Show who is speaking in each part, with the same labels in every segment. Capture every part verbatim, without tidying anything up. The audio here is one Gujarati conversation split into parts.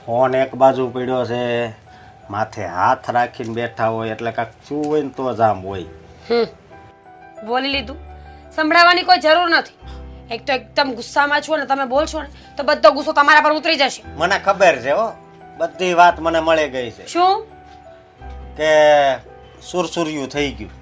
Speaker 1: ફોન એક બાજુ પડ્યો છે, માથે હાથ રાખીને બેઠા હોય એટલે કાંક શું હોય ને તો જ આમ હોય.
Speaker 2: હમ બોલી લીધું, સંભળાવવાની કોઈ જરૂર નથી. એક તો એકદમ ગુસ્સામાં છો ને તમે બોલશો ને તો બધો ગુસ્સો તમારા પર ઉતરી જશે.
Speaker 1: મને ખબર છે હો, બધી વાત મને મળી ગઈ છે
Speaker 2: શું?
Speaker 1: કે સુરસુર્યું થઈ ગયું.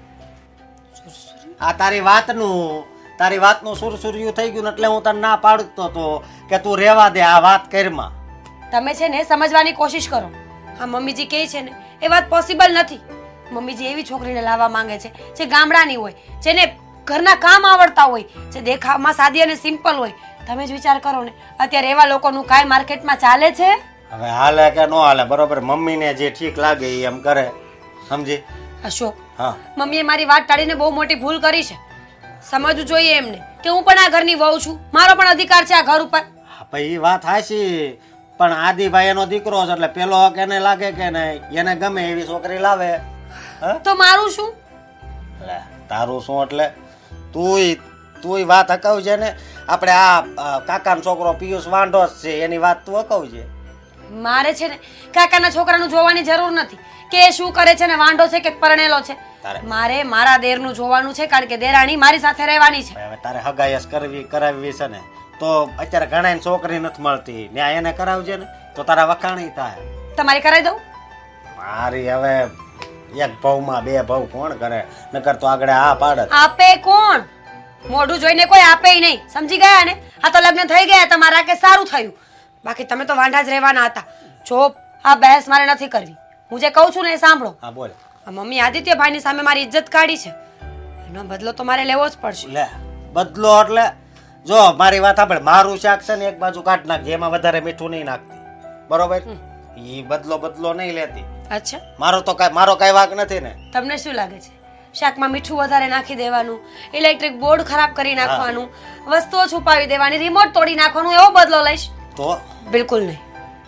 Speaker 1: આ તારી વાતનું તારી વાતનું સુરસુર્યું થઈ ગયું ને એટલે હું તને ના પાડતો તો કે તું રહેવા દે આ વાત કરમાં.
Speaker 2: તમે છે ને સમજવાની કોશિશ કરો. હા મમ્મીજી કહે છે ને એ વાત પોસિબલ નથી. મમ્મીજી એવી છોકરીને લાવવા માંગે છે જે ગામડાની હોય, જેને ઘરના કામ આવડતા હોય, જે દેખાવમાં સાદી અને સિમ્પલ હોય. તમે જ વિચાર કરો ને અત્યારે એવા લોકોનું કાંઈ માર્કેટમાં ચાલે છે?
Speaker 1: હવે હાલે કે ન હાલે બરોબર, મમ્મીને જે ઠીક લાગે એ એમ કરે, સમજી?
Speaker 2: અશોક,
Speaker 1: હા,
Speaker 2: મમ્મીએ મારી વાત ટાળીને બહુ મોટી ભૂલ કરી છે. સમજવું જોઈએ એમને કે હું પણ આ ઘરની વહુ છું, મારો પણ અધિકાર છે આ ઘર ઉપર.
Speaker 1: હા ભાઈ એ વાત હાચી, પણ આદિભાઈ એનો દીકરો છે એટલે પેલો હક એને લાગે કે નહીં, એને ગમે એવી છોકરી લાવે. હા
Speaker 2: તો મારું શું?
Speaker 1: લે, તારું શું એટલે તુંય તુંય વાત હકાવજે ને. આપણે આ કાકાનો છોકરો પિયુષ વાંઢો જ છે એની વાત તું હકાવજે.
Speaker 2: મારે છે ને કાકાના છોકરાનું જોવાની જરૂર નથી કે એ શું કરે છે ને વાંઢો છે કે પરણેલો છે.
Speaker 1: તારે
Speaker 2: મારે મારા દેરનું જોવાનું છે, કારણ કે દેરાણી મારી સાથે રહેવાની છે.
Speaker 1: હવે તારે હગાયસ કરવી કરાવવી છે ને તો અત્યારે ઘણા છોકરી નથી મળતી, ન્યા એને કરાવજે ને તો તારા વખાણી થાય.
Speaker 2: તમારી કરાવી દઉં?
Speaker 1: મારી હવે એક ભાવમાં બે ભાવ કોણ કરે, નકર તો આગળ આ પાડત.
Speaker 2: આપે કોણ? મોઢું જોઈને કોઈ આપે નહીં, સમજી ગયા ને? આ તો લગ્ન થઈ ગયા તમારા કે સારું થયું, બાકી તમે તો વાંઢા જ રહેવાના હતા. જો આ બહેસ મારે નથી કરવી, હું જે કહું છું ને એ સાંભળો.
Speaker 1: હા બોલ.
Speaker 2: આ મમ્મી આદિત્યભાઈની સામે મારી ઇજ્જત કાઢી છે, એનો બદલો તો મારે લેવો જ પડશે.
Speaker 1: લે બદલો એટલે જો મારી વાત સાંભળ, મારું શાક છે ને એક બાજુ કાઢ નાખજે, એમાં વધારે મીઠું નહીં નાખતી, બરોબર? ઈ બદલો બદલો નહીં લેતી.
Speaker 2: અચ્છા,
Speaker 1: મારો તો કાંઈ મારો કાંઈ વાંક નથી ને.
Speaker 2: તમને શું લાગે છે શાકમાં મીઠું વધારે નાખી દેવાનું, ઇલેક્ટ્રિક બોર્ડ ખરાબ કરી નાખવાનું, વસ્તુઓ છુપાવી દેવાની, રિમોટ તોડી નાખવાનું, એવો બદલો લઈશ?
Speaker 1: તો
Speaker 2: બિલકુલ નહીં.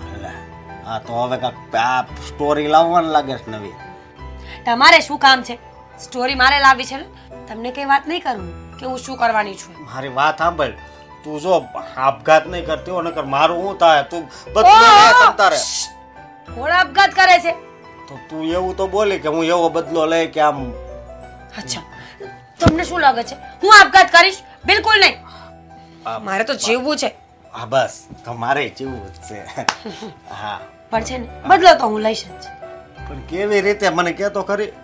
Speaker 1: હા તો હવે કાંઈક આ સ્ટોરી લાવવાનું લાગે છે નવી.
Speaker 2: તમારે શું કામ છે? સ્ટોરી મારે લાવવી છે ને, તમને કઈ વાત નહીં કરું કે હું શું કરવાની છું.
Speaker 1: મારી વાત સાંભળ, તું જો આપઘાત નહીં કરતી હો, નકર મારું શું થાય? તું બધું તારે
Speaker 2: કોણ આપઘાત કરે છે?
Speaker 1: તો તું એવું તો બોલી કે હું એવો બદલો લઈ કે આમ.
Speaker 2: અચ્છા, તમને શું લાગે છે હું આપઘાત કરીશ? બિલકુલ નહીં. મારે તો જીવવું છે.
Speaker 1: હા બસ, તમારે જીવવું જ છે. હા
Speaker 2: પણ છે ને બદલો તો હું લઈશ જ.
Speaker 1: પણ કેવી રીતે મને કે તો ખરી.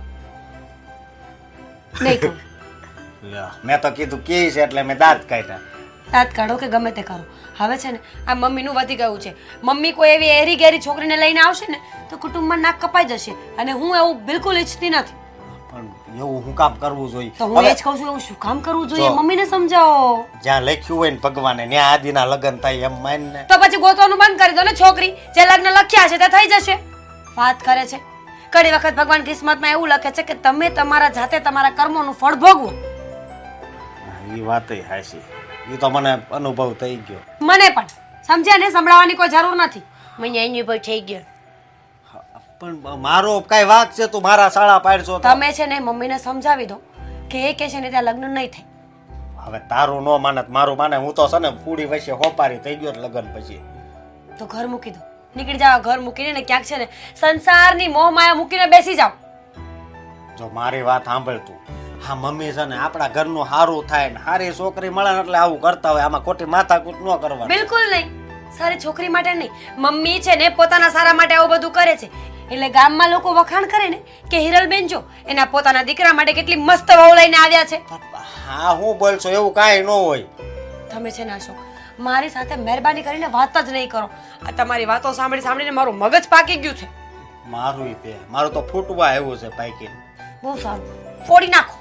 Speaker 2: નહીં કહું.
Speaker 1: મેં તો કીધું કે છે એટલે મેં દાંત કાઢ્યા.
Speaker 2: દાંત કાઢો કે ગમે તે કરો, હવે છે ને આ મમ્મીનું વધી ગયું છે. મમ્મી કોઈ એવી એરી ગેરી છોકરીને લઈને આવશે ને તો કુટુંબમાં નાક કપાઈ જશે, અને હું એવું બિલકુલ ઈચ્છતી નથી.
Speaker 1: પણ એવું હું કામ કરવું જોઈએ?
Speaker 2: તો હું એ જ કહું છું, એવું શું કામ કરવું જોઈએ? મમ્મીને સમજાવો.
Speaker 1: જ્યાં લખ્યું હોય ને ભગવાને ત્યાં આદિના લગ્ન થાય એમ માનને.
Speaker 2: તો પછી ગોતવાનું બંધ કરી દો ને છોકરી, જે લગ્ન લખ્યા છે તે થઈ જશે. વાત કરે છે, ઘણી વખત ભગવાન કિસ્મતમાં એવું લખે છે કે તમે તમારા જાતે તમારા કર્મોનું ફળ ભોગવો.
Speaker 1: એ વાત હાચી, એ તો મને અનુભવ થઈ ગયો.
Speaker 2: મને પણ સમજ્યા ને, સંભળાવવાની કોઈ જરૂર નથી. મને અનુભવ થઈ ગયો.
Speaker 1: પણ મારો કઈ વાક છે? તું મારા શાળા પાડશો?
Speaker 2: તમે છે ને મમ્મીને સમજાવી દો કે એ કે છે ને ત્યાં લગ્ન નહીં થાય.
Speaker 1: હવે તારું નો માનત મારું માને, હું તો છે ને પૂડી વચ્ચે હોપારી થઈ ગયો લગ્ન પછી.
Speaker 2: તો ઘર મૂકી દો, નીકળી જાવ ઘર મૂકીને, ને ક્યાંક છે ને સંસારની મોહ માયા મૂકીને બેસી જાવ.
Speaker 1: જો મારી વાત સાંભળ તું, હા મમ્મી છે ને આપણા ઘરનું સારું થાય ને સારી છોકરી મળે ને એટલે આવું કરતા હોય, આમાં ખોટી માથાકૂટ ન કરવાની.
Speaker 2: બિલકુલ નહીં, સારી છોકરી માટે નહીં. મમ્મી છે ને પોતાના સારા માટે આવું બધું કરે છે, એટલે ગામમાં લોકો વખાણ કરે ને કે હિરલબેન જો એના પોતાના દીકરા માટે કેટલી મસ્ત વહુ લઈને આવ્યા છે.
Speaker 1: હા હું બોલશો એવું કાંઈ ન હોય.
Speaker 2: તમે છે ને અશોક મારી સાથે મહેરબાની કરીને વાત જ નહીં કરો. આ તમારી વાતો સાંભળી સાંભળીને મારું મગજ પાકી ગયું છે.
Speaker 1: મારું તે મારું તો ફૂટવા આવ્યું છે પાકી.
Speaker 2: બહુ સારું, ફોડી નાખો.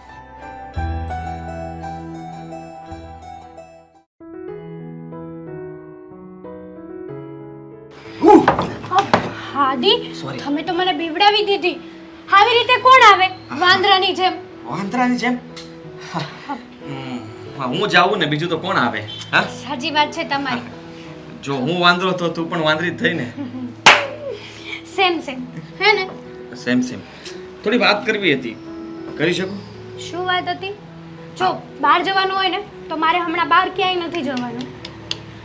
Speaker 3: હાદી, તમે તો મને બીવડાવી દીધી. આવી રીતે કોણ આવે વાંદરાની જેમ?
Speaker 4: વાંદરાની જેમ? હું જાઉં ને બીજું તો કોણ આવે? હા
Speaker 3: સાચી વાત છે તમારી.
Speaker 4: જો હું વાંદરો તો તું પણ વાંદરી જ થઈ ને.
Speaker 3: સેમ સેમ હે ને?
Speaker 4: Same same. થોડી વાત કરવી હતી, કરી શકું?
Speaker 3: શું વાત હતી? જો બહાર જવાનું હોય ને તો મારે હમણાં બહાર ક્યાંય નથી જવાનું.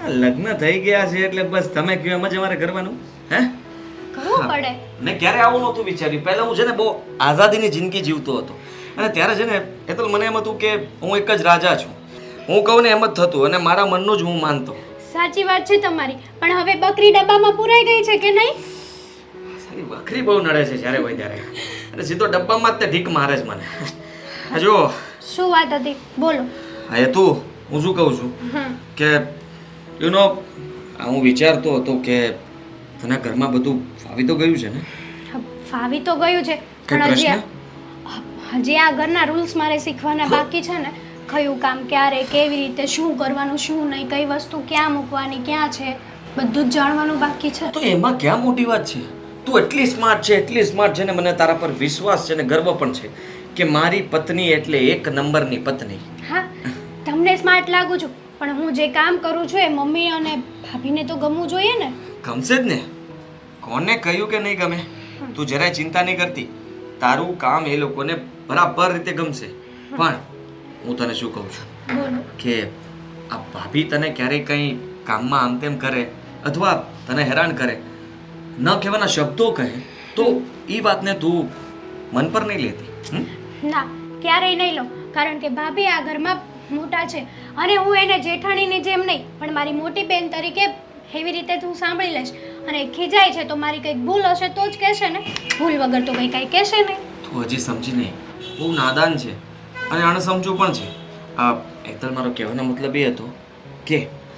Speaker 4: આ લગ્ન થઈ ગયા છે એટલે બસ તમે કહો એમ જ અમારે કરવાનું હે
Speaker 3: કરવું પડે.
Speaker 4: મેં ક્યારે આવું નહોતું વિચાર્યું. પહેલા હું છે ને બહુ આઝાદીની જિંદગી જીવતો હતો અને ત્યારે છે ને એ તો મને એમ હતું કે હું એક જ રાજા છું. હું કહું ને એમ જ થતું અને મારા મનનું જ હું માનતો.
Speaker 3: સાચી વાત છે તમારી, પણ હવે બકરી ડબ્બામાં પુરાઈ ગઈ છે કે નહીં?
Speaker 4: સારી બકરી બહુ નડે છે જ્યારે હોય ત્યારે અને સીધો ડબ્બામાં જ તે ઢીક મારે છે મને. હા જો
Speaker 3: શું વાત હતી બોલો.
Speaker 4: હા એ તું હું શું કહું છું
Speaker 3: હમ.
Speaker 4: કે યુ નો હું વિચારતો હતો કે તને ઘરમાં બધું ફાવી તો ગયું છે ને?
Speaker 3: ફાવી તો ગયું છે
Speaker 4: કઈ
Speaker 3: પણ હજી
Speaker 4: પ્રશ્ન?
Speaker 3: આ- હજી આ ઘરના રૂલ્સ મારે શીખવાના બાકી છે ને. કયું કામ ક્યારે કેવી રીતે શું કરવાનું શું નહીં, કઈ વસ્તુ ક્યાં મૂકવાની ક્યાં છે, બધું જ જાણવાનું બાકી છે.
Speaker 4: તો એમાં ક્યાં મોટી વાત છે? તું એટલી સ્માર્ટ છે એટલી સ્માર્ટ છે ને મને તારા પર વિશ્વાસ છે ને ગર્વ પણ છે કે મારી પત્ની એટલે એક નંબરની પત્ની.
Speaker 3: હા, તમને સ્માર્ટ લાગુ છું પણ હું જે કામ કરું છું એ મમ્મી અને ભાભીને તો ગમવું જોઈએ ને.
Speaker 4: ગમશે જ ને. કોને કહ્યું કે નહીં ગમે? તું જરાય ચિંતા નહીં કરતી. તારું કામ એ લોકોને બરાબર રીતે ગમશે. પણ હું તને શું કહું છું
Speaker 3: બોલો.
Speaker 4: કે આ ભાભી તને ક્યારેય કંઈ કામમાં આમ તેમ કરે અથવા તને હેરાન કરે, ન કહેવાના શબ્દો કહે તો એ વાતને તું મન પર નહીં લેતી? હમ?
Speaker 3: ના, ક્યારેય નહીં લો, કારણ કે ભાભી આ ઘરમાં મોટા છે અને હું એને જેઠાણીની જેમ નહીં પણ મારી મોટી બેન તરીકે એવી રીતે તું સાંભળી લઈશ. અને ખીજાય છે તો મારી કંઈક ભૂલ હશે તો જ કહેશે ને, ભૂલ વગર તો કંઈ કાંઈ કહેશે નહીં.
Speaker 4: તું હજી સમજી નહીં, બહુ નાદાન છે અને અણસમજુ પણ છે. આ એકદમ મારો કહેવાનો મતલબ એ હતો કે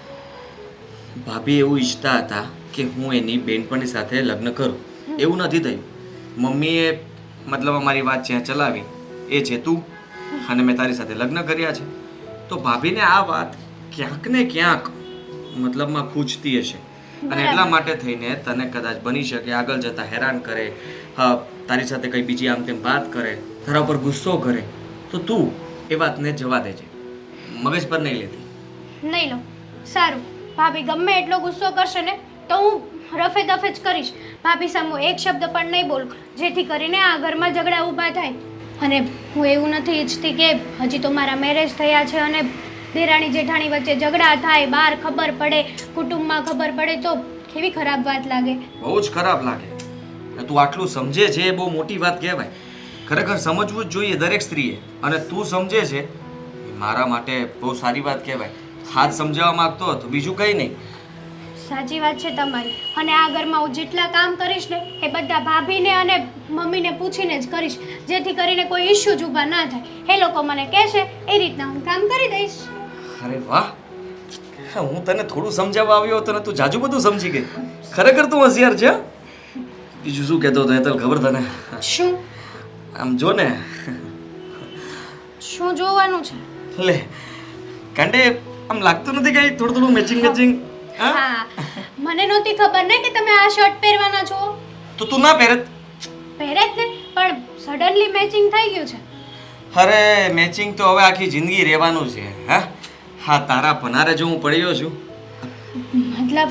Speaker 4: ભાભી એવું ઈચ્છતા હતા કે હું એની બેનપણી સાથે લગ્ન કરું. એવું નથી થયું. મમ્મીએ મતલબ અમારી વાત જ્યાં ચલાવી એ છે તું અને મેં તારી સાથે લગ્ન કર્યા છે. તો ભાભીને આ વાત ક્યાંક ને ક્યાંક મતલબમાં ખૂંચતી હશે અને એટલા માટે થઈને તને કદાચ બની શકે આગળ જતા હેરાન કરે, હા તારી સાથે કંઈ બીજી આમ તેમ વાત કરે, તારા ઉપર ગુસ્સો કરે. તો તું એ વાતને જવા દેજે, મગજ પર નહીં લેતી.
Speaker 3: નહીં લો. સારું, ભાભી ગમે એટલો ગુસ્સો કરશે ને તો હું રફે દફે જ કરીશ. ભાભી સામું એક શબ્દ પણ નહીં બોલું જેથી કરીને આ ઘરમાં ઝઘડા ઊભા થાય. અને હું એવું નથી ઈચ્છતી કે હજી તો મારા મેરેજ થયા છે અને દેરાણી જેઠાણી વચ્ચે ઝઘડા થાય, બહાર ખબર પડે, કુટુંબમાં ખબર પડે તો કેવી ખરાબ વાત લાગે.
Speaker 4: બહુ જ ખરાબ લાગે. અને તું આટલું સમજે છે એ બહુ મોટી વાત કહેવાય. ખરેખર સમજવું જ જોઈએ દરેક સ્ત્રીએ અને તું સમજે છે એ મારા માટે બહુ સારી વાત કહેવાય. હાથ સમજાવવા માંગતો હતો, બીજું કંઈ નહીં.
Speaker 3: સાચી વાત છે તમારી. અને આ ઘરમાં હું જેટલા કામ કરીશ ને એ બધા ભાભીને અને મમ્મીને પૂછીને જ કરીશ જેથી કરીને કોઈ ઇશ્યુ જ ઊભા ના થાય. એ લોકો મને કહેશે એ રીતના હું કામ કરી દઈશ.
Speaker 4: અરે વાહ, હું તને થોડું સમજાવવા આવ્યો હતો ને તું જાજુ બધું સમજી ગઈ. ખરેખર તું હોશિયાર છે. બીજું શું કહેતો હતો હેતલ ખબર તને?
Speaker 3: શું
Speaker 4: આમ જો ને.
Speaker 3: શું જોવાનું છે?
Speaker 4: લે કાંડે આમ લાગતું નથી કઈ થોડું થોડું મેચિંગ મેચિંગ?
Speaker 3: હા, મને નહોતી ખબર ને કે તમે આ શર્ટ પહેરવાના છો.
Speaker 4: તો તું ના પહેરત?
Speaker 3: પહેરે જ ને, પણ સડનલી મેચિંગ થઈ ગયું છે.
Speaker 4: અરે મેચિંગ તો હવે આખી જિંદગી રહેવાનું છે. હા હા તારા પનારે જો હું પડ્યો છું.
Speaker 3: મતલબ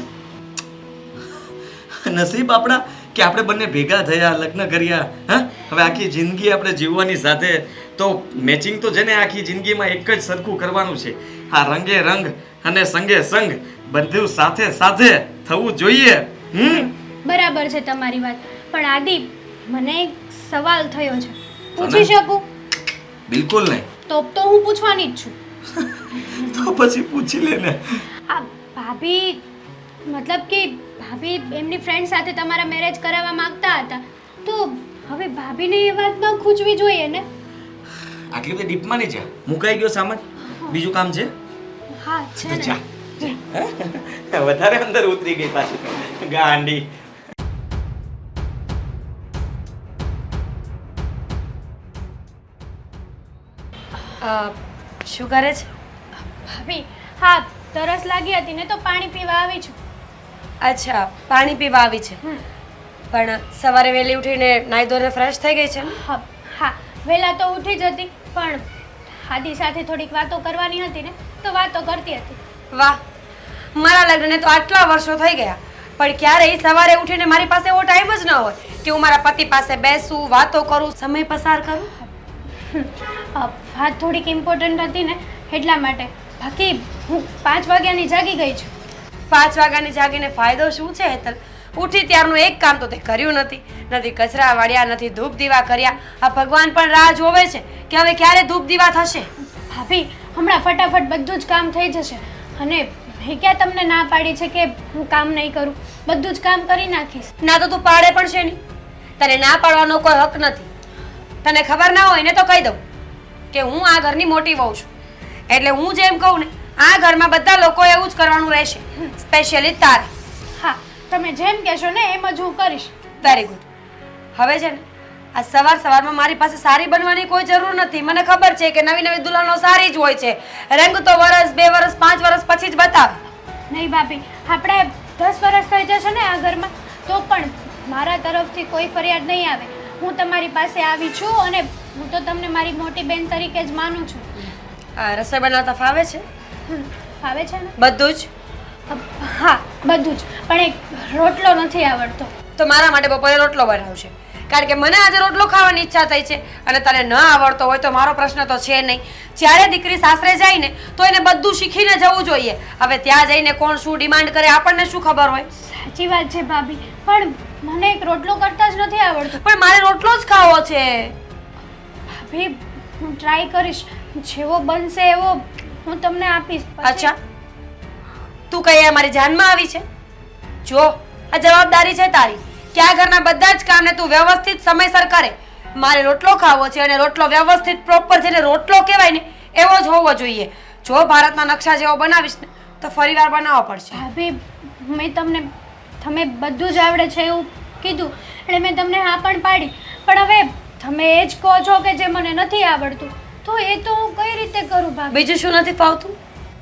Speaker 4: નસીબ આપણા કે આપણે બંને ભેગા થયા, લગ્ન કર્યા. હા હવે આખી જિંદગી આપણે જીવવાની સાથે તો મેચિંગ તો છે ને આખી જિંદગીમાં એક જ સરખું કરવાનું છે. હા રંગે રંગ અને સંગે સંગ બધું સાથે સાથે થવું જોઈએ. હમ
Speaker 3: બરાબર છે તમારી વાત, પણ આદિ મને એક સવાલ થયો છે, પૂછી શકું?
Speaker 4: બિલકુલ નહીં.
Speaker 3: તો તો હું પૂછવાની જ છું.
Speaker 4: તો પછી પૂછી લે ને.
Speaker 3: આ ભાભી મતલબ કે ભાભી એમની ફ્રેન્ડ સાથે તમારા મેરેજ કરાવવા માંગતા હતા તો હવે ભાભીને એ વાત ન ખૂંચવી જોઈએ ને.
Speaker 4: આટલી બધી ડીપમાં નહીં જા. મુકાઈ ગયો સામાન, બીજું કામ છે?
Speaker 3: હા છે
Speaker 4: તો
Speaker 3: ને.
Speaker 4: જા જા. વધારે અંદર ઉતરી ગઈ પાછી ગાંડી.
Speaker 2: અ, શું કરે છે?
Speaker 3: ભાભી હા, તરસ લાગી હતી ને તો પાણી પીવા આવી છું.
Speaker 2: અચ્છા, પાણી પીવા આવી છે.
Speaker 3: હમ.
Speaker 2: પણ સવારે વહેલી ઉઠીને નાહી ધોઈને ફ્રેશ થઈ ગઈ છે ને?
Speaker 3: હા હા, વહેલા તો ઉઠી જ હતી પણ આદિ સાથે થોડીક વાતો કરવાની હતી ને તો વાતો કરતી હતી.
Speaker 2: વાહ, મારા લગ્નને તો આટલા વર્ષો થઈ ગયા પણ ક્યારેય સવારે ઉઠીને મારી પાસે એવો ટાઈમ જ ન હોય કે હું મારા પતિ પાસે બેસું, વાતો કરું, સમય પસાર કરું.
Speaker 3: અ, વાત થોડીક ઇમ્પોર્ટન્ટ હતી ને એટલા માટે. બાકી હું પાંચ વાગ્યાની જાગી ગઈ છું.
Speaker 2: પાંચ વાગ્યાની જાગીને ફાયદો શું છે હેતલ? ઉઠી ત્યારનું એક કામ તો તે કર્યું નથી. નથી કચરા વાળ્યા, નથી ધૂપ દીવા કર્યા. આ ભગવાન પણ રાહ જોવે છે કે હવે ક્યારે ધૂપ દીવા થશે.
Speaker 3: ભાભી હમણાં ફટાફટ બધું જ કામ થઈ જશે. અને મેં ક્યાં તમને ના પાડી છે કે હું કામ નહીં કરું? બધું જ કામ કરી નાખીશ.
Speaker 2: ના તો તું પાડે પણ છે નહીં. તને ના પાડવાનો કોઈ હક નથી. તને ખબર ના હોય ને તો કહી દઉં કે હું આ ઘરની મોટી વહુ છું, એટલે હું જેમ કહું ને આ ઘરમાં બધા લોકો એવું જ કરવાનું રહેશે, સ્પેશિયલી તારે.
Speaker 3: હા, તમે જેમ કહેશો ને એમ જ હું કરીશ.
Speaker 2: Very good. હવે છે ને આ સવાર સવારમાં મારી પાસે સારી બનવાની કોઈ જરૂર નથી. મને ખબર છે કે નવી નવી દુલ્હનો સારી જ હોય છે. રંગ તો વરસ બે વરસ પાંચ વરસ પછી જ બતાવે.
Speaker 3: નહીં ભાભી, આપણે દસ વર્ષ થઈ જશે ને આ ઘરમાં તો પણ મારા તરફથી કોઈ ફરિયાદ નહીં આવે. હું તમારી પાસે આવી છું અને હું તો તમને મારી મોટી બેન તરીકે જ માનું છું.
Speaker 2: આ રસોઈ બનાવતા ફાવે છે?
Speaker 3: હમ, ફાવે છે ને?
Speaker 2: બધું જ?
Speaker 3: હા, બધું જ. પણ એક રોટલો નથી આવડતો.
Speaker 2: તો મારા માટે બપોરે રોટલો બનાવશે, કારણ કે મને આજે રોટલો ખાવાની ઈચ્છા થઈ છે અને તને ન આવડતો હોય તો મારો પ્રશ્ન તો છે નહીં. જ્યારે દીકરી સાસરે જાય ને તો એને બધું શીખીને જવું જોઈએ. હવે ત્યાં જઈને કોણ શું ડિમાન્ડ કરે આપણને શું ખબર હોય?
Speaker 3: સાચી વાત છે ભાભી, પણ મને એક રોટલો કરતા જ નથી આવડતું.
Speaker 2: પણ મારે રોટલો જ ખાવો છે.
Speaker 3: ભાભી, હું ટ્રાય કરીશ. જેવો બનશે એવો હું તમને આપીશ. પછી-
Speaker 2: અચ્છા, તું કઈ મારી જાનમાં આવી છે? જો આ જવાબદારી છે તારી કે આ ઘરના બધા જ કામને તું વ્યવસ્થિત સમયસર કરે. મારે રોટલો ખાવો છે અને રોટલો વ્યવસ્થિત પ્રોપર જેને રોટલો કહેવાય ને એવો જ હોવો જોઈએ. જો ભારતના નકશા જેવો બનાવીશ ને તો ફરીવાર બનાવવો પડશે.
Speaker 3: ભાભી, મેં તમને તમે બધું જ આવડે છે એવું કીધું એટલે મેં તમને હા પણ પાડી. પણ હવે તમે એ જ કહો છો કે જે મને નથી આવડતું, તો એ તો હું કઈ રીતે કરું ભાભી?
Speaker 2: બીજું શું નથી ફાવતું?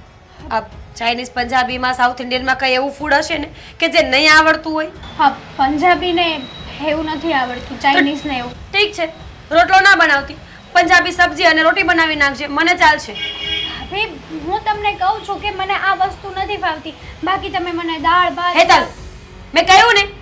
Speaker 2: આ ચાઇનીઝ, પંજાબીમાં, સાઉથ ઇન્ડિયનમાં કઈ એવું ફૂડ હશે ને કે જે નહીં આવડતું હોય?
Speaker 3: હા, પંજાબીને એવું નથી આવડતું, ચાઇનીઝ ને એવું.
Speaker 2: ઠીક છે, રોટલો ના બનાવતી, પંજાબી સબ્જી અને રોટી બનાવી નાખજે, મને ચાલશે.
Speaker 3: ભાભી, હું તમને કહું છું કે મને આ વસ્તુ નથી ફાવતી. બાકી તમે મને દાળ ભાત
Speaker 2: હેતલ, મેં કહ્યું ને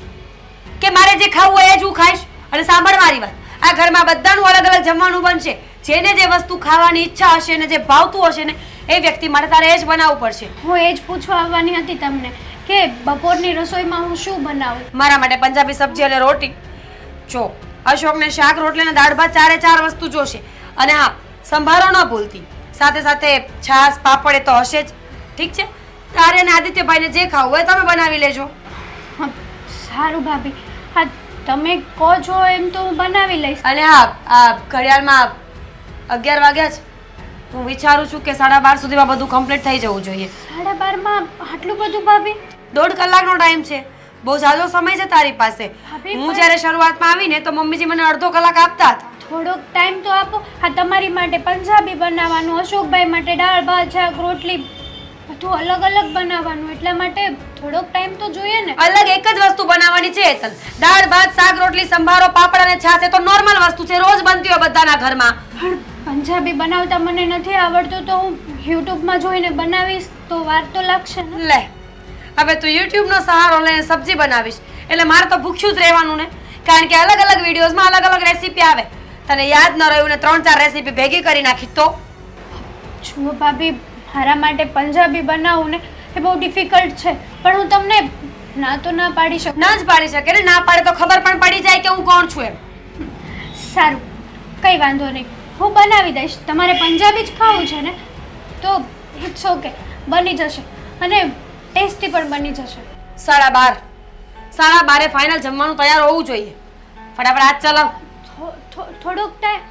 Speaker 2: કે મારે જે ખાવું હોય એ જ હું ખાઈશ. અને સાંભળ મારી વાત, આ ઘરમાં બધાનું અલગ અલગ જમવાનું બનશે. જેને જે વસ્તુ ખાવાની ઈચ્છા હશે ને જે ભાવતું હશે ને એ વ્યક્તિ માટે તારે એ જ બનાવવું પડશે.
Speaker 3: હું એ જ પૂછવા આવવાની હતી તમને કે બપોરની રસોઈમાં હું શું બનાવું.
Speaker 2: મારા માટે પંજાબી સબ્જી અને રોટી. જો અશોકને શાક રોટલી અને દાળ ભાત ચારે ચાર વસ્તુ જોશે. અને હા, સંભારો ન ભૂલતી. સાથે સાથે છાશ પાપડ એ તો હશે જ. ઠીક છે, તારે અને આદિત્યભાઈને જે ખાવું હોય તમે બનાવી લેજો.
Speaker 3: હા, સારું ભાભી. હા, તમે કહો છો એમ તો હું બનાવી લઈશ.
Speaker 2: અને હા, આ ઘડિયાળમાં અગિયાર વાગ્યા છે. હું વિચારું છું કે સાડા બાર સુધીમાં બધું કમ્પ્લીટ થઈ જવું જોઈએ.
Speaker 3: સાડા બારમાં આટલું બધું ભાભી?
Speaker 2: દોઢ કલાકનો ટાઈમ છે, બહુ ઝાઝો સમય છે તારી પાસે.
Speaker 3: ભાભી,
Speaker 2: હું
Speaker 3: પણ-
Speaker 2: જ્યારે શરૂઆતમાં આવીને તો મમ્મીજી મને અડધો કલાક આપતા હતા.
Speaker 3: થોડોક ટાઈમ તો આપો. હા, તમારી માટે પંજાબી બનાવવાનું, અશોકભાઈ માટે દાળ ભાત શાક રોટલી બધું અલગ અલગ બનાવવાનું, એટલા માટે થોડોક ટાઈમ તો જોઈએ ને.
Speaker 2: અલગ એક જ વસ્તુ બનાવવાની છે હેતલ. દાળ ભાત શાક રોટલી સંભારો પાપડ અને છાશ એ તો નોર્મલ વસ્તુ છે, રોજ બનતી હોય બધાના ઘરમાં.
Speaker 3: પણ પંજાબી બનાવતા મને નથી આવડતું, તો હું યુટ્યુબમાં જોઈને બનાવીશ તો વાર તો લાગશે ને.
Speaker 2: લે, હવે તું યુટ્યુબનો સહારો લઈને સબ્જી બનાવીશ એટલે મારે તો ભૂખ્યું જ રહેવાનું ને, કારણ કે અલગ અલગ વિડીયોઝમાં અલગ અલગ રેસીપી આવે. તને યાદ ન રહ્યું ને ત્રણ ચાર રેસીપી ભેગી કરી નાખી તો?
Speaker 3: જુઓ ભાભી, મારા માટે પંજાબી બનાવવું ને એ બહુ ડિફિકલ્ટ છે, પણ હું તમને ના તો ના પાડી શકું.
Speaker 2: ના જ પાડી શકે ને, ના પાડે તો ખબર પણ પડી જાય કે હું કોણ છું એમ.
Speaker 3: સારું, કંઈ વાંધો નહીં, હું બનાવી દઈશ. તમારે પંજાબી જ ખાવું છે ને તો ઇટ્સ ઓકે, બની જશે અને ટેસ્ટી પણ બની જશે.
Speaker 2: સાડા બાર સાડા બારે ફાઇનલ જમવાનું તૈયાર હોવું જોઈએ. ફટાફટ હાથ ચલાવ.
Speaker 3: થો- થો- થોડોક ટાઈમ.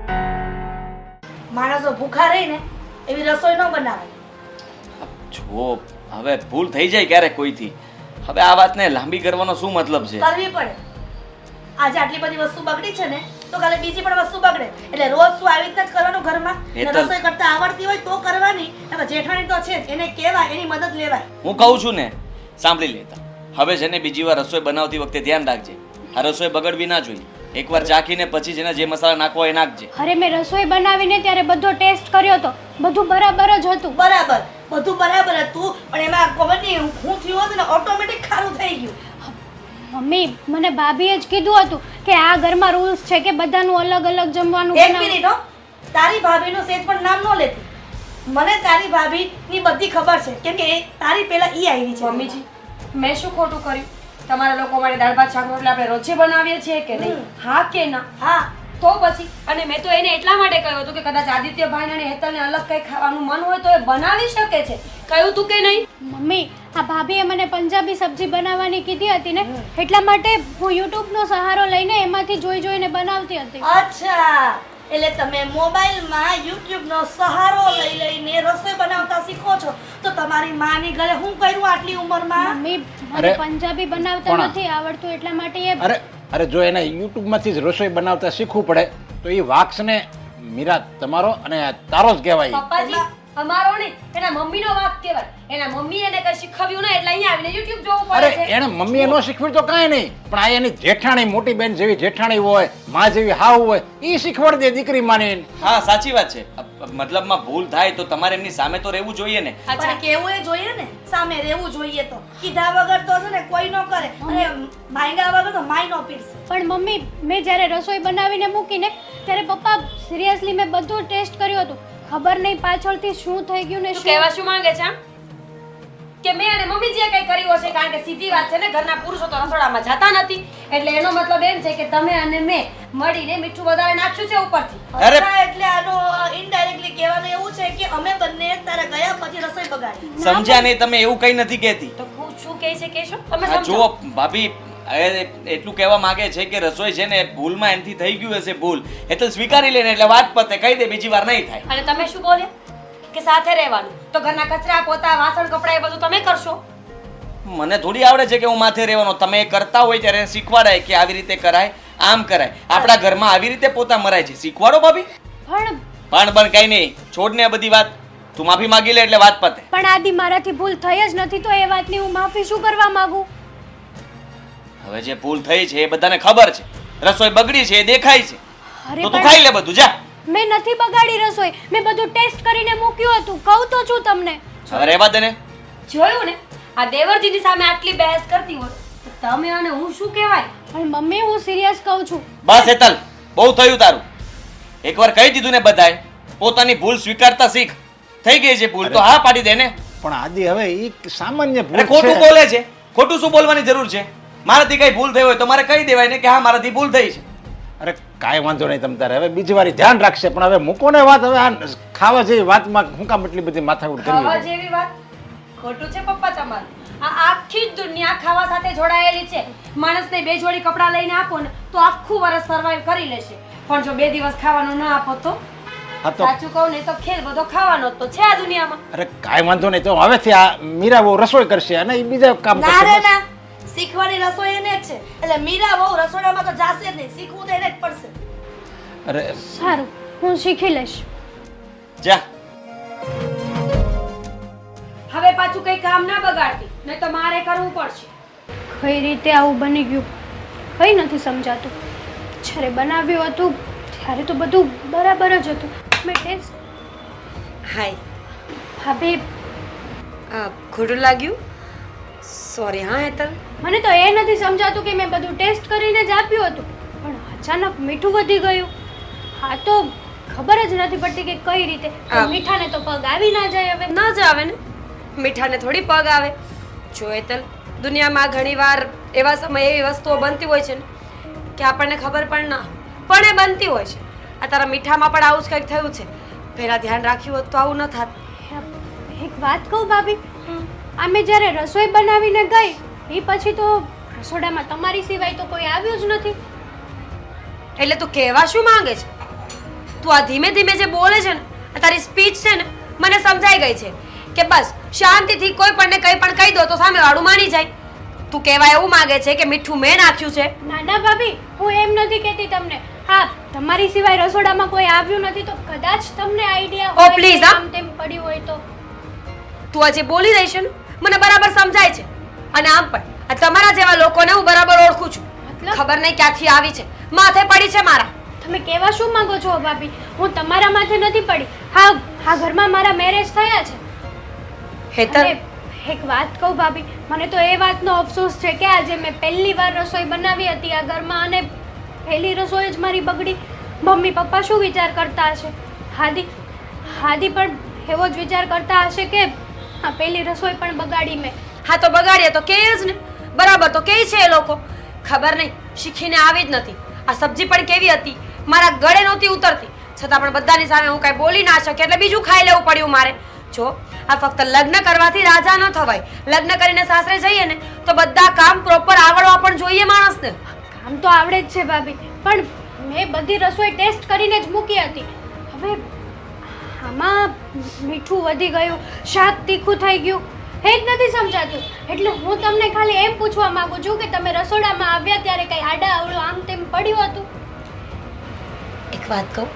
Speaker 5: માણસો ભૂખા રહીને એવી રસોઈ ન બનાવાય.
Speaker 4: જો હવે ભૂલ થઈ જાય ક્યારેક કોઈથી, હવે આ વાતને લાંબી કરવાનો શું મતલબ છે?
Speaker 5: કરવી પડે. આજે આટલી બધી વસ્તુ બગડી છે ને તો કાલે બીજી પણ વસ્તુ બગડે. એટલે રોજ શું આવી રીતના જ કરવાનું ઘરમાં? ને
Speaker 4: હેતલ.
Speaker 5: રસોઈ કરતા આવડતી હોય તો કરવાની. હવે જેઠાણી તો છે જ, એને કહેવાય, એની મદદ લેવાય.
Speaker 4: હું કહું છું ને, સાંભળી લેતા. હવે છે ને બીજી વાર રસોઈ બનાવતી વખતે ધ્યાન રાખજે, આ રસોઈ બગડવી ના જોઈએ. એકવાર ચાખીને પછી જેને જે મસાલા નાખવો એ નાખજે.
Speaker 3: અરે મેં રસોઈ બનાવીને ત્યારે બધો ટેસ્ટ કર્યો તો, બધું બરાબર જ હતું.
Speaker 5: બરાબર, બધું બરાબર હતું, પણ એમાં ખબર નહીં હું થયું હોત ને ઓટોમેટિક ખારું થઈ ગયું.
Speaker 3: મમ્મી, મને ભાભીએ જ કીધું હતું કે આ ઘરમાં રૂલ્સ છે કે બધાનું અલગ અલગ જમવાનું
Speaker 5: એક
Speaker 3: બનાવવું.
Speaker 5: મિનિટ હો, તારી ભાભીનું સેજ પણ નામ ન લેતી. મને તારી ભાભીની બધી ખબર છે કેમ કે એ તારી પહેલા ઈ આવી છે
Speaker 2: મમ્મીજી મેં શું ખોટું કર્યું? તમારા લોકો માટે દાળ ભાત શાક રોટલા આપણે રોજે બનાવીએ છીએ કે નહીં? હા કે ના?
Speaker 5: હા
Speaker 2: તો પછી અને મેં તો એને એટલા માટે કહ્યું હતું કે કદાચ આદિત્યભાઈને અને હેતલને અલગ કંઈ ખાવાનું મન હોય તો એ બનાવી શકે છે. કહ્યું તું કે નહીં?
Speaker 3: મમ્મી આ ભાભીએ મને પંજાબી સબ્જી બનાવવાની કીધી હતી ને એટલા માટે હું યુટ્યુબનો સહારો લઈને એમાંથી જોઈ જોઈને બનાવતી હતી.
Speaker 5: અચ્છા એટલે તમે મોબાઈલમાં યુટ્યુબનો સહારો લઈ લઈને રસોઈ બનાવતા શીખો છો તો તમારી માની ઘરે હું કર્યું આટલી ઉંમરમાં?
Speaker 3: મમ્મી મને
Speaker 6: અરે,
Speaker 3: પંજાબી બનાવતા
Speaker 6: પણ-
Speaker 3: નથી આવડતું એટલા માટે એ
Speaker 6: અરે અરે જો એને યુટ્યુબમાંથી જ રસોઈ બનાવતા શીખવું પડે તો એ વાક્સને મીરા તમારો અને તારો જ કહેવાય.
Speaker 2: પપ્પાજી અમારો નહીં એના મમ્મીનો વાંક કહેવાય. એના મમ્મી એને કઈ શીખવ્યું ને એટલે અહીંયા આવીને YouTube જોવું
Speaker 6: અરે
Speaker 2: પડે છે.
Speaker 6: એને મમ્મીએ ન શીખવ્યું તો કાંઈ નહીં, પણ આ એની જેઠાણી મોટી બેન જેવી જેઠાણી હોય, માં જેવી હાવ હોય, એ શીખવાડી દે દીકરી માની.
Speaker 4: હા સાચી વાત છે. અ- મતલબમાં ભૂલ થાય તો તમારે એમની સામે તો રહેવું જોઈએ ને.
Speaker 5: પણ કેવું એ જોઈએ ને સામે રહેવું જોઈએ તો કીધા વગર તો છે ને કોઈ ન કરે અને માંગ્યા વગર તો માય નો પીરસે.
Speaker 3: પણ મમ્મી મેં જ્યારે રસોઈ બનાવીને મૂકીને ત્યારે પપ્પા સિરિયસલી મેં બધું ટેસ્ટ કર્યું હતું. ખબર નહીં પાછળથી શું થઈ ગયું ને
Speaker 2: તું
Speaker 3: શું.
Speaker 2: કહેવા શું માંગે છે આમ? કે મેં અને મમ્મીજીએ કંઈ કર્યું હશે કારણ કે સીધી વાત છે ને ઘરના પુરુષો તો રસોડામાં જતા નથી એટલે એનો મતલબ એમ છે કે તમે અને મેં મળીને મીઠું વધારે નાખ્યું છે ઉપરથી.
Speaker 4: અરે!
Speaker 5: અચ્છા, એટલે આનો ઇનડાયરેક્ટલી કહેવાનું એવું છે કે અમે બંને તારા ગયા પછી રસોઈ બગાડી.
Speaker 4: સમજ્યા નહીં તમે? એવું કઈ નથી કહેતી.
Speaker 2: તો હું શું કહે છે કહેશો તમે
Speaker 4: આ
Speaker 2: સમજો.
Speaker 4: જુઓ ભાભી એ એટલું કહેવા માંગે છે કે રસોઈ છે ને ભૂલમાં એમથી થઈ ગયું હશે ભૂલ એટલે સ્વીકારી લે ને એટલે વાત પતે કહી દે બીજી વાર નહીં થાય.
Speaker 2: અને તમે શું બોલ્યા કે સાથે રહેવાનું તો ઘરના કચરા પોતા વાસણ કપડા એ બધું તમે કરશો.
Speaker 4: મને થોડી આવડે છે કે હું માથે રહેવાનો. તમે એ કરતા હોય ત્યારે શીખવાડાય કે આવી રીતે કરાય આમ કરાય. આપણા ઘરમાં આવી રીતે પોતા મરાય છે શીખવાડો ભાભી.
Speaker 3: પણ
Speaker 4: પણ પણ કઈ નહીં છોડ ને આ બધી વાત. તું માફી માંગી લે એટલે વાત પતે.
Speaker 3: પણ આદિ મારાથી ભૂલ થઈ જ નથી તો એ વાતની હું માફી શું કરવા માંગુ?
Speaker 4: હવે જે ભૂલ થઈ છે એ બધાને ખબર છે. રસોઈ બગડી છે એ દેખાય છે
Speaker 3: અરે
Speaker 4: તો તું
Speaker 3: પણ
Speaker 4: ખાઈ લે બધું જા.
Speaker 3: મેં નથી બગાડી રસોઈ. મેં બધું ટેસ્ટ કરીને મૂક્યું હતું. કહું તો છું તમને.
Speaker 4: હવે રહેવા દે ને.
Speaker 2: જોયું ને આ દેવરજીની સામે આટલી બહેસ કરતી હોય તો તમે અને હું શું કહેવાય?
Speaker 3: પણ મમ્મી હું સિરિયસ કહું છું.
Speaker 4: બસ હેતલ બહુ થયું તારું. એકવાર કહી દીધું ને બધાએ પોતાની ભૂલ સ્વીકારતા શીખ. થઈ ગઈ છે ભૂલ તો હા પાડી દે ને.
Speaker 6: પણ આદિ હવે એ સામાન્ય
Speaker 4: અરે
Speaker 6: ભૂલ
Speaker 4: ખોટું
Speaker 6: છે.
Speaker 4: બોલે છે. ખોટું શું બોલવાની જરૂર છે? મારાથી કઈ ભૂલ થઈ હોય તો મારે કહી દેવાય ને કે હા મારાથી ભૂલ થઈ છે.
Speaker 6: અરે કાંઈ વાંધો નહીં તમ તારે હવે બીજી વાર ધ્યાન રાખશે, પણ હવે મૂકો ને વાત. હવે આ ખાવા જેવી વાતમાં હું કામ એટલી બધી માથાકૂટ
Speaker 2: ખાવા
Speaker 6: કરી?
Speaker 2: જેવી વાત ખોટું છે પપ્પા તમારું. આ આખી જ દુનિયા ખાવા સાથે જોડાયેલી છે. માણસને બે જોડી કપડાં લઈને આપો ને તો આખું વર્ષ સર્વાઈવ કરી લેશે પણ જો બે દિવસ ખાવાનું ના આપો તો
Speaker 6: હા તો
Speaker 2: સાચું કહું ને તો ખેલ બધો ખાવાનો જ તો છે આ દુનિયામાં.
Speaker 6: અરે કાંઈ વાંધો નહીં તો હવેથી આ મીરા બહુ રસોઈ કરશે અને એ બીજા કામ
Speaker 5: ના રે
Speaker 6: કરશે.
Speaker 5: ના શીખવાની રસોઈ એને જ છે એટલે મીરા બહુ રસોડામાં તો જાશે જ નહીં. શીખવું તો એને જ પડશે.
Speaker 6: અરે
Speaker 3: સારું હું શીખી લઈશ.
Speaker 4: જા.
Speaker 2: હવે પાછું કઈ કામ ના બગાડતી નહીં તો મારે કરવું પડશે.
Speaker 3: કઈ રીતે આવું બની ગયું કઈ નથી સમજાતું. જ્યારે બનાવ્યું હતું ત્યારે તો બધું બરાબર જ હતું. મેં ટેસ્ટ
Speaker 2: હાય
Speaker 3: ભાભી
Speaker 2: આ ખોટું લાગ્યું સોરી હા હેતલ.
Speaker 3: મને તો એ નથી સમજાતું કે મેં બધું ટેસ્ટ કરીને જ આપ્યું હતું પણ અચાનક મીઠું વધી ગયું. હા તો ખબર જ નથી પડતી કે કઈ રીતે. તો
Speaker 2: આ-
Speaker 3: મીઠાને તો પગ આવી ના જાય હવે.
Speaker 2: ન જ આવે ને મીઠાને થોડી પગ આવે. જો હેતલ દુનિયામાં ઘણીવાર એવા સમયે એવી વસ્તુઓ બનતી હોય છે ને કે આપણને ખબર પણ ના પણ એ બનતી હોય છે. આ તારા મીઠામાં પણ આવું જ કંઈક થયું છે. પહેલા ધ્યાન રાખ્યું હોત તો આવું ન થાત.
Speaker 3: એક વાત કહું ભાભી અમે જ્યારે રસોઈ બનાવીને ગઈ એ પછી તો રસોડામાં તમારી સિવાય તો કોઈ આવ્યું જ નથી.
Speaker 2: એટલે તું કહેવા શું માંગે છે? તું આ ધીમે ધીમે જે બોલે છે ને આ તારી સ્પીચ છે ને મને સમજાઈ ગઈ છે કે બસ શાંતિથી કોઈ પણ ને કંઈ પણ કહી દો તો સામે વાળું માની જાય. તું કહેવા એવું માંગે છે કે મીઠું મેં નાખ્યું છે?
Speaker 3: ના ના ભાભી હું એમ નથી કહેતી તમને. હા તમારી સિવાય રસોડામાં કોઈ આવ્યું નથી તો કદાચ તમને આઈડિયા
Speaker 2: Oh,
Speaker 3: હોય
Speaker 2: please,
Speaker 3: કે
Speaker 2: હા.
Speaker 3: આમ તેમ પડ્યું હોય તો.
Speaker 2: તું આજે બોલી રહી છે ને મને બરાબર સમજાય છે અને આમ પણ આ તમારા જેવા લોકોને હું બરાબર ઓળખું છું.
Speaker 3: મતલબ?
Speaker 2: ખબર નહીં ક્યાંથી આવી છે માથે પડી છે મારા.
Speaker 3: તમે કહેવા શું માંગો છો ભાભી? હું તમારા માથે નથી પડી. હા આ ઘરમાં મારા મેરેજ થયા છે.
Speaker 2: હેતલ
Speaker 3: અને એક વાત કહું ભાભી મને તો એ વાતનો અફસોસ છે કે આજે મેં પહેલી વાર રસોઈ બનાવી હતી આ ઘરમાં અને પહેલી રસોઈ જ મારી બગડી. મમ્મી પપ્પા શું વિચાર કરતા હશે? હાદી હાદી પણ એવો જ વિચાર કરતા હશે કે આ પેલી રસોઈ પણ બગાડી મેં.
Speaker 2: હા તો બગાડીએ તો કે જ ને, બરાબર તો કે છે એ લોકો. ખબર નહીં શીખીને આવી જ નથી. આ સબ્જી પણ કેવી હતી, મારા ગળે નહોતી ઉતરતી, છતાં પણ બધાની સામે હું કાંઈ બોલી ના શકી એટલે બીજું ખાઈ લેવું પડ્યું મારે. જો આ ફક્ત લગ્ન કરવાથી રાજા ન થવાય. લગ્ન કરીને સાસરે જઈએ ને તો બધા કામ પ્રોપર આવડવા પણ જોઈએ માણસને.
Speaker 3: કામ તો આવડે જ છે ભાભી, પણ મેં બધી રસોઈ ટેસ્ટ કરીને જ મૂકી હતી. હવે આમાં મીઠું વધી ગયું, શાક તીખું થઈ ગયું, એ જ નથી સમજાતું. એટલે હું તમને ખાલી એમ પૂછવા માંગુ છું કે તમે રસોડામાં આવ્યા ત્યારે કઈ આડા અવળું આમ તેમ પડ્યું હતું?
Speaker 2: એક વાત કહું?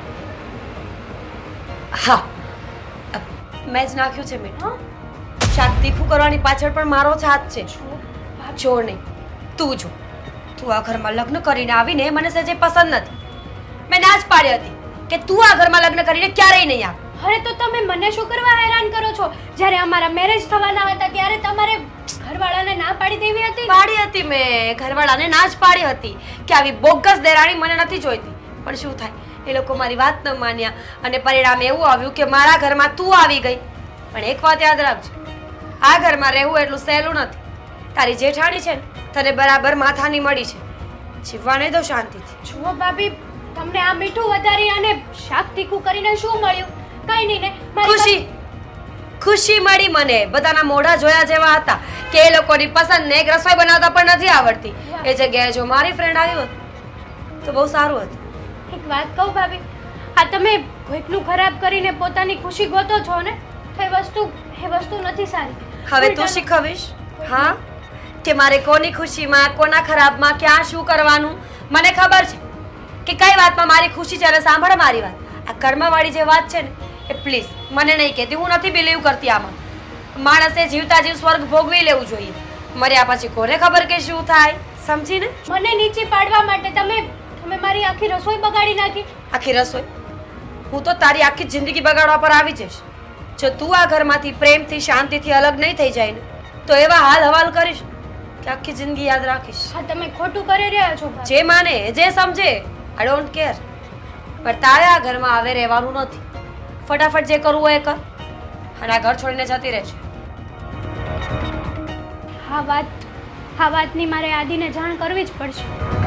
Speaker 2: હા, મેં જ નાખ્યું છે મીઠું. શાક તીખું કરવાની પાછળ પણ મારો જ હાથ છે. જો નહીં, તું જો, તું આ ઘરમાં લગ્ન કરીને આવીને મને સહેજે પસંદ નથી. મેં ના જ પાડી હતી કે તું આ ઘરમાં લગ્ન કરીને ક્યારેય નહીં આવ.
Speaker 3: અરે તો તમે મને શું કરવા હેરાન કરો છો? જ્યારે અમારા મેરેજ થવાના હતા ત્યારે તમારે ઘરવાળાને ના પાડી દેવી હતી.
Speaker 2: પાડી હતી મેં, ઘરવાળાને ના જ પાડી હતી કે આવી બોગસ દેરાણી મને નથી જોઈતી. પણ શું થાય, એ લોકો મારી વાત ન માન્યા અને પરિણામ એવું આવ્યું કે મારા ઘરમાં તું આવી ગઈ. પણ એક વાત યાદ રાખજો, આ ઘરમાં રહેવું એટલું સહેલું નથી. તારી જેઠાણી છે ને, તને બરાબર માથાની મળી છે. જીવવા નહીં દો શાંતિથી.
Speaker 3: જુઓ ભાભી, તમને આ મીઠું વધારી અને શાક તીખું કરીને શું મળ્યું? કઈ નહીં ને, મારી
Speaker 2: ખુશી ખુશી મળી મને. બધાના મોઢા જોયા જેવા હતા કે એ લોકોની પસંદ ને એક રસોઈ બનાવતા પણ નથી આવડતી. એ જગ્યાએ જો મારી ફ્રેન્ડ આવી હોત તો બહુ સારું હતું.
Speaker 3: એક વાત કહું ભાભી, આ તમે કોઈકનું ખરાબ કરીને પોતાની ખુશી ગોતો છો ને, તો એ વસ્તુ એ વસ્તુ નથી સારી.
Speaker 2: હવે તું શીખવીશ હા કે મારે કોની ખુશીમાં કોના ખરાબમાં ક્યાં શું કરવાનું. મને ખબર છે કે કઈ વાતમાં મારી ખુશી છે અને સાંભળ મારી વાત. આ કર્મવાળી જે વાત છે ને એ પ્લીઝ મને નહીં કહેતી. હું નથી બિલીવ કરતી આમાં. માણસે જીવતા જીવ સ્વર્ગ ભોગવી લેવું જોઈએ. મર્યા પછી કોને ખબર કે શું થાય, સમજીને?
Speaker 3: મને નીચે પાડવા માટે તમે તમે મારી આખી રસોઈ બગાડી નાખી.
Speaker 2: આખી રસોઈ? હું તો તારી આખી જિંદગી બગાડવા પર આવી જઈશ. જો તું આ ઘરમાંથી પ્રેમથી શાંતિથી અલગ નહીં થઈ જાય ને તો એવા હાલ હવાલ કરીશ કે આખી જિંદગી યાદ રાખીશ.
Speaker 3: હા, તમે ખોટું કરી રહ્યા છો ભાભી.
Speaker 2: જે માને જે સમજે, આઈ ડોન્ટ કેર. પણ તારે આ ઘરમાં આવે રહેવાનું નથી. ફટાફટ જે કરવું હોય એ કર અને આ ઘર છોડીને જતી રહેશે.
Speaker 3: હા વાત હા વાતની મારે આદિને જાણ કરવી જ પડશે.